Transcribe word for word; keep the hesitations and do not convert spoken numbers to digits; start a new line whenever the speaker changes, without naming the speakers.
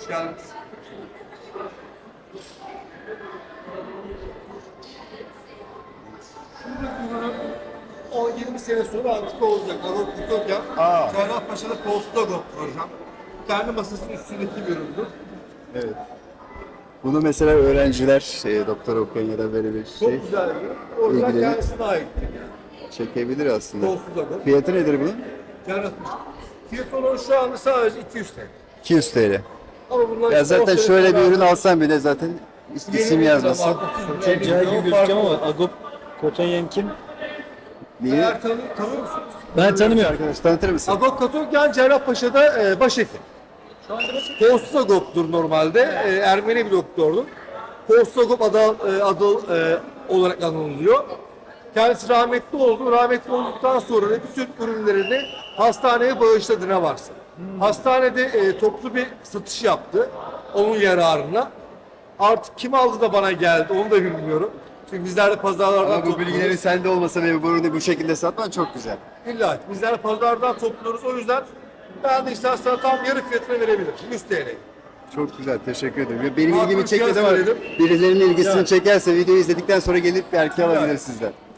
geldiniz. Şuradaki ürünün on yirmi sene sonra antika olacak. Agop Kutokya,
Aa.
Cerrahpaşa'da Postagop projem. Kendi masasının üstündeki bir üründür.
Evet. Bunu mesela öğrenciler, e, doktor okuyan ya da böyle bir
Çok
şey
güzel bir ürün. Orijinal
İlgilenir.
kendisine aittir yani.
çekebilir aslında.
Kolsuz agop.
Fiyatı nedir bunun?
Cerrahpaşa. Fiyat olarak şu anda sadece iki yüz T L.
iki yüz T L.
Ama bunlar
Ya zaten
işte
şöyle bir
ortalama
ürün alsan bile zaten isim yazmasın.
Çok cahil gibi gözüküyor ama Agop Kotanyan kim?
Niye?
Eğer tanı, tanıyor musunuz?
Ben tanımıyorum.
Arkadaş tanıtır mısın?
Agop Katokyan Cerrahpaşa'da e, başhekim. Kostas Agop'tur normalde. E, Ermeni bir doktordur. Kostas Agop adı, e, adı e, olarak anılıyor. Kendisi rahmetli oldu. Rahmetli olduktan sonra da bütün ürünlerini hastaneye bağışladı ne varsa. Hastanede e, toplu bir satış yaptı. Onun yararına. Artık kim aldı da bana geldi onu da bilmiyorum. Çünkü bizler de pazarlardan
Ama bu
topluyoruz.
bilgilerin sende olmasa ve bu ürünü bu şekilde satman çok güzel.
İlla ki. Bizler pazardan topluyoruz. O yüzden ben de istersen sana tam yarı fiyatına verebilirim. yüz T L.
Çok güzel, teşekkür ederim. Ya benim
Makul
ilgimi çekmedi
fiyat
ama
söyledim.
birilerinin ilgisini çekerse videoyu izledikten sonra gelip belki alabilir sizden.